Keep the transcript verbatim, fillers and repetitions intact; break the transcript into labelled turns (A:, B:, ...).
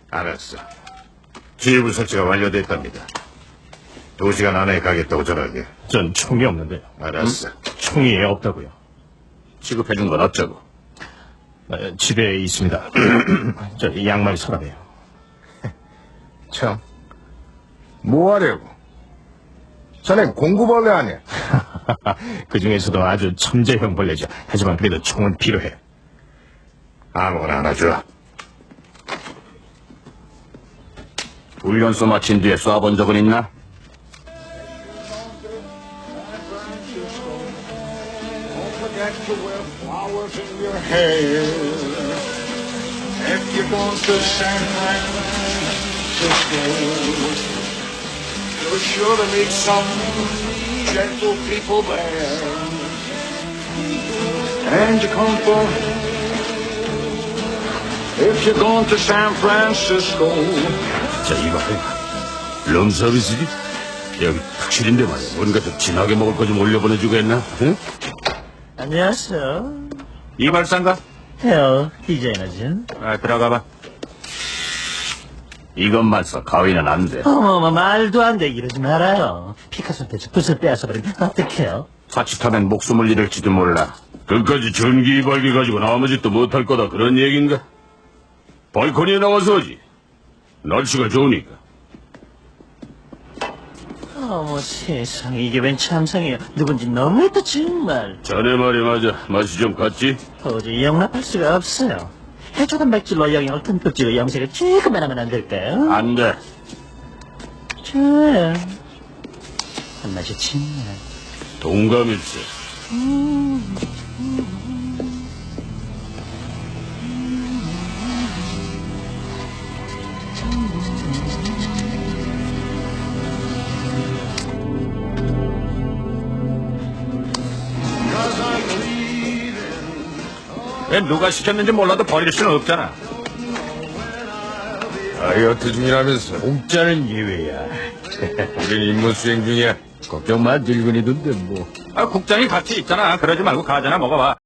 A: 알았어. 지휘부 설치가 완료됐답니다. 두 시간 안에 가겠다고 전화하게.
B: 전 총이 없는데요.
A: 알았어.
B: 총이 없다고요.
C: 취급해준 건 어쩌고?
B: 어, 집에 있습니다. 저 양말 서랍이에요.
D: 참, 뭐 하려고? 자네 공구벌레 아니야?
B: 그 중에서도 아주 천재형 벌레죠. 하지만 그래도 총은 필요해.
A: 아무거나 하나 줘.
C: 훈련소 마친 뒤에 쏴본 적은 있나?
E: If you're going to San Francisco, you're sure to meet some gentle people there. And you come for, if you're going to San Francisco.
C: 자, 이거 룸서비스지? 여기 탁실인데 말이야. 뭔가 좀 진하게 먹을 거 좀 올려보내주겠나? 응?
F: 안녕하세요.
C: 이발사인가?
F: 헤어 디자이너진.
C: 아, 들어가봐. 이것만 써. 가위는 안 돼.
F: 어머머, 말도 안 돼. 이러지 말아요. 피카소한테 저 붓을 빼앗아버리면 어떡해요?
C: 자칫하면 목숨을 잃을지도 몰라. 끝까지 전기 이발기 가지고 아무 짓도 못할 거다. 그런 얘긴가? 발코니에 나와서 하지. 날씨가 좋으니까.
F: 어머 세상에, 이게 웬 참상이에요. 누군지 너무했다 정말.
C: 자네 말이 맞아. 맛이 좀 갔지?
F: 도저히 용납할 수가 없어요. 해초단 백질로 영양을 듬뿍 찍어 염색을 조금만 하면 안 될까요?
C: 안 돼.
F: 좋아요. 한맛이 정말.
C: 동감일세. 왜 누가 시켰는지 몰라도 버릴 수는 없잖아.
D: 다이어트 중이라면서 공짜는 예외야. 우린 임무 수행 중이야. 걱정 마, 늙은이던데 뭐.
C: 아, 국장이 같이 있잖아. 그러지 말고 과자나 먹어봐.